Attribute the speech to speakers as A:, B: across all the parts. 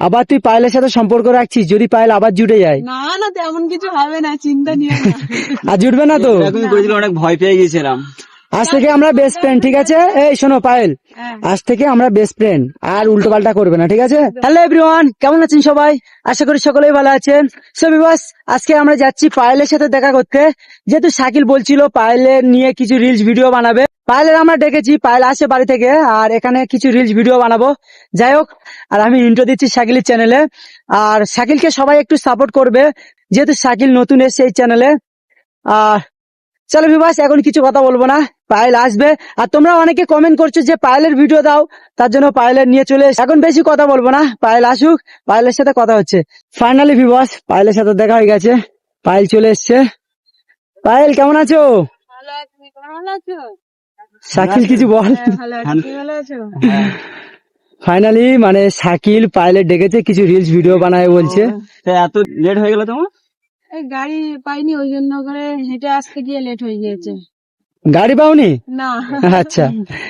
A: আবার তুই পায়েলের সাথে সম্পর্ক রাখছিস, যদি পায়েল আবার জুটে যায়?
B: না না, তেমন কিছু হবে না, চিন্তা নিও না।
A: আর জুটবে না তো?
C: এরকমই করেছিল, অনেক ভয় পেয়ে গেছিলাম।
A: আজ থেকে আমরা বেস্ট ফ্রেন্ড, ঠিক আছে? এই শোনো পায়েল,
B: হ্যাঁ।
A: আজ থেকে আমরা বেস্ট ফ্রেন্ড, আর উল্টো পাল্টা করবে না, ঠিক আছে? হ্যালো এভরিওয়ান, কেমন আছেন সবাই? আশা করি সকলেই ভালো আছেন। সো ভিউয়ার্স, আজকে আমরা যাচ্ছি পায়েলের সাথে দেখা করতে, যেহেতু শাকিল বলছিল পায়েলের নিয়ে কিছু রিলস ভিডিও বানাবে। পায়েলের আমরা ডেকেছি, পায়েল আসে বাড়ি থেকে, আর এখানে কিছু রিলস ভিডিও বানাবো। যাই হোক, আর আমি ইন্ট্রো দিচ্ছি শাকিলের চ্যানেলে, আর শাকিলকে সবাই একটু সাপোর্ট করবে, যেহেতু শাকিল নতুন এসেছে এই চ্যানেলে। আর চলো ভিউয়ার্স, এখন কিছু কথা বলবো না, পায়েল আসবে। আর তোমরা অনেকে কমেন্ট করছো যে পায়েলের ভিডিও দাও, তার জন্য পায়েলের নিয়ে চলে এসে এখন বেশি কথা বলবো না, পায়েল আসুক, পায়েলের সাথে কথা হচ্ছে। ফাইনালি ভিউয়ার্স, পায়েলের সাথে দেখা হয়ে গেছে, পায়েল চলে এসছে। পায়েল কেমন আছো?
B: ভালো আছি, তুমি ভালো আছো?
A: শাকিল কিছু বল।
B: হ্যাঁ, ভালো আছি, তুমি ভালো আছো?
A: ফাইনালি মানে শাকিল পায়েলের ডেকেছে, কিছু রিলস ভিডিও বানায় বলছে।
C: তা এত লেট হয়ে গেল তোমার?
B: এই গাড়ি পাইনি, ওই জন্য করে হেঁটে আসতে গিয়ে লেট হয়ে গিয়েছে।
A: গাড়ি পাওনি?
B: না,
A: আচ্ছা,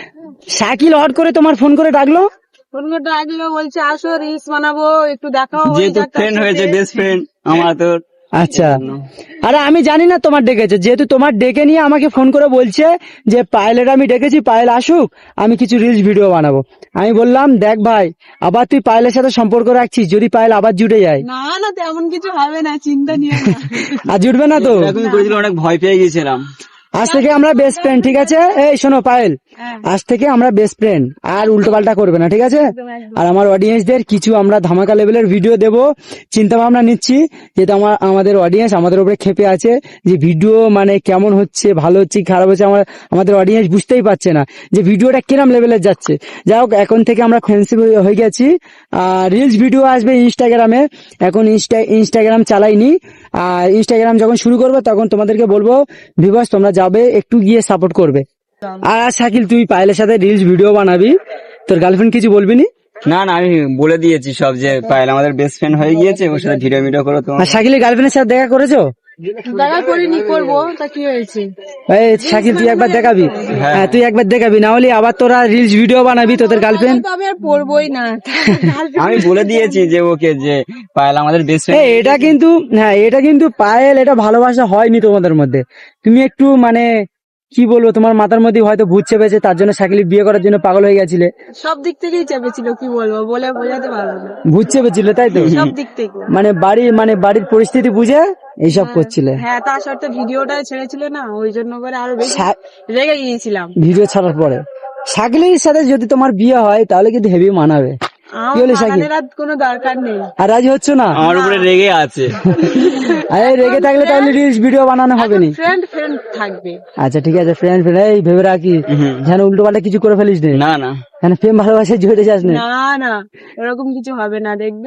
A: শাকিল হট করে তোমার ফোন করে ডাকলো?
B: ফোন করে ডাকলো, বলছে আসো রিলস বানাবো, একটু দেখাও।
C: যেহেতু ফ্রেন্ড হয়েছে, বেস্ট ফ্রেন্ড আমার তোর।
A: আচ্ছা, আরে আমি জানি না তোমার ডেকেছে, যেহেতু তোমার ডেকে নিয়ে আমাকে ফোন করে বলছে যে পায়েলের আমি ডেকেছি, পায়েল আসুক, আমি কিছু রিলস ভিডিও বানাবো। আমি বললাম দেখ ভাই, আবার তুই পায়েলের সাথে সম্পর্ক রাখছিস, যদি পায়েল আবার জুটে যায়?
B: না না, তেমন কিছু হবে না, চিন্তা নিও না।
A: আর জুটবে না তো?
C: এরকমই করেছিল, অনেক ভয় পেয়ে গেছিলাম।
A: আজ থেকে আমরা বেস্ট ফ্রেন্ড, ঠিক আছে? এই শোনো পায়েল,
B: হ্যাঁ,
A: আজ থেকে আমরা বেস্ট ফ্রেন্ড, আর উল্টো পাল্টা করবে না, ঠিক আছে?
B: একদম একদম।
A: আর আমার অডিয়েন্সদের কিছু আমরা ধামাকা লেভেলের ভিডিও দেব, চিন্তা ভাবনা নিচ্ছি, যেহেতু আমাদের অডিয়েন্স আমাদের উপরে ক্ষেপে আছে যে ভিডিও মানে কেমন হচ্ছে, ভালো হচ্ছে কি খারাপ হচ্ছে, আমাদের অডিয়েন্স বুঝতেই পারছে না যে ভিডিওটা কিরম লেভেলের যাচ্ছে। যাই হোক, এখন থেকে আমরা ফ্রেন্ডশিপ হয়ে গেছি। আর রিলস ভিডিও আসবে ইনস্টাগ্রামে, এখন ইনস্টাগ্রাম চালাইনি, আর ইনস্টাগ্রাম যখন শুরু করবো তখন তোমাদেরকে বলবো, ভিউয়ার্স তোমরা যাবে, একটু গিয়ে সাপোর্ট করবে। আর শাকিল, তুই পায়েলের সাথে রিলস ভিডিও বানাবি, তোর গার্লফ্রেন্ড কিছু বলবি নি?
C: না না, আমি বলে দিয়েছি সব, যে পায়েল আমাদের বেস্ট ফ্রেন্ড হয়ে গিয়েছে, ওর সাথে ভিডিও করো তো।
A: আর শাকিলের গার্লফ্রেন্ডের সাথে দেখা করেছো?
B: দেখা করিনি, করবো, তা কি হয়েছে?
A: এই শাকিল, তুই একবার দেখাবি। হ্যাঁ, তুই একবার দেখাবি, না হলে আবার তোরা রিলস ভিডিও বানাবি তোদের গার্লফ্রেন্ড।
B: তো আমি আর পড়বোই না।
C: আমি বলে দিয়েছি যে ওকে, যে পায়েল আমাদের বেস্ট ফ্রেন্ড।
A: এটা কিন্তু, হ্যাঁ এটা কিন্তু পায়েল, এটা ভালোবাসা হয়নি তোমাদের মধ্যে। তুমি একটু মানে কি বলবো, তোমার মাথার মধ্যে হয়তো ভূত চেপেছে, তার জন্য শাকিল বিয়ে করার জন্য পাগল হয়ে গেছিলে।
B: সব দিক থেকেই চেপেছিল, কি বলবো, বলে বোঝাতে পারবো না।
A: ভূত চেপেছিল, তাই তো?
B: সব দিক থেকে।
A: মানে বাড়ির পরিস্থিতি বুঝে এইসব করছিলে।
B: হ্যাঁ, তার সাথে ভিডিওটা ছেড়েছিল না, ওই জন্য করে আরো বেশি রেগে গিয়েছিলাম।
A: ভিডিও ছাড়ার পরে শাকিলের সাথে যদি তোমার বিয়ে হয়, তাহলে কিন্তু হেভি মানাবে। কি বলে শাকিল?
B: আমাদের আর কোনো দরকার নেই।
A: আর রাজি হচ্ছে না?
C: আমার উপরে রেগে আছে।
A: আরে রেগে থাকলে তাহলে রিলস ভিডিও বানানো হবে না।
B: ফ্রেন্ড ফ্রেন্ড থাকবে।
A: আচ্ছা ঠিক আছে, ফ্রেন্ড ফ্রেন্ড, এই ভেবে রাখি যেন উল্টো পাল্টা কিছু করে ফেলিস না,
C: না না,
A: যেন প্রেম ভালোবাসায় জড়িয়ে যাস না।
B: না না, এরকম কিছু হবে না, দেখবে।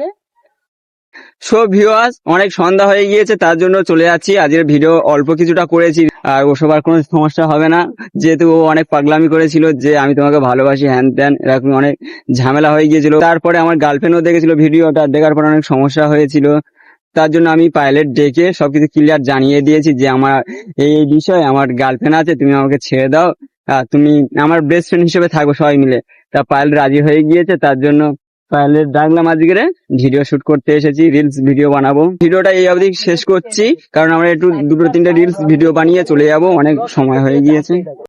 C: সো ভিউয়ার্স, অনেক সন্ধ্যা হয়ে গিয়েছে, তার জন্য চলে যাচ্ছি। আজকের ভিডিও অল্প কিছুটা করেছি, আর ওসব আর কোনো সমস্যা হবে না, যেহেতু ও অনেক পাগলামি করেছিল যে আমি তোমাকে ভালোবাসি হ্যান ত্যান, এরকম অনেক ঝামেলা হয়ে গিয়েছিল। তারপরে আমার গার্লফ্রেন্ডও দেখেছিল ভিডিওটা, দেখার পর অনেক সমস্যা হয়েছিল। তার জন্য আমি পাইলট ডেকে সবকিছু ক্লিয়ার জানিয়ে দিয়েছি যে আমার এই বিষয়, আমার গার্লফ্রেন্ড আছে, তুমি আমাকে ছেড়ে দাও, তুমি আমার বেস্ট ফ্রেন্ড হিসেবে থাকবো সবাই মিলে। তা পাইলট রাজি হয়ে গিয়েছে, তার জন্য পাইলট ডাকলাম আজকে, ভিডিও শুট করতে এসেছি, রিলস ভিডিও বানাবো। ভিডিওটা এই অবধি শেষ করছি, কারণ আমরা একটু দুটো তিনটে রিলস ভিডিও বানিয়ে চলে যাবো, অনেক সময় হয়ে গিয়েছে।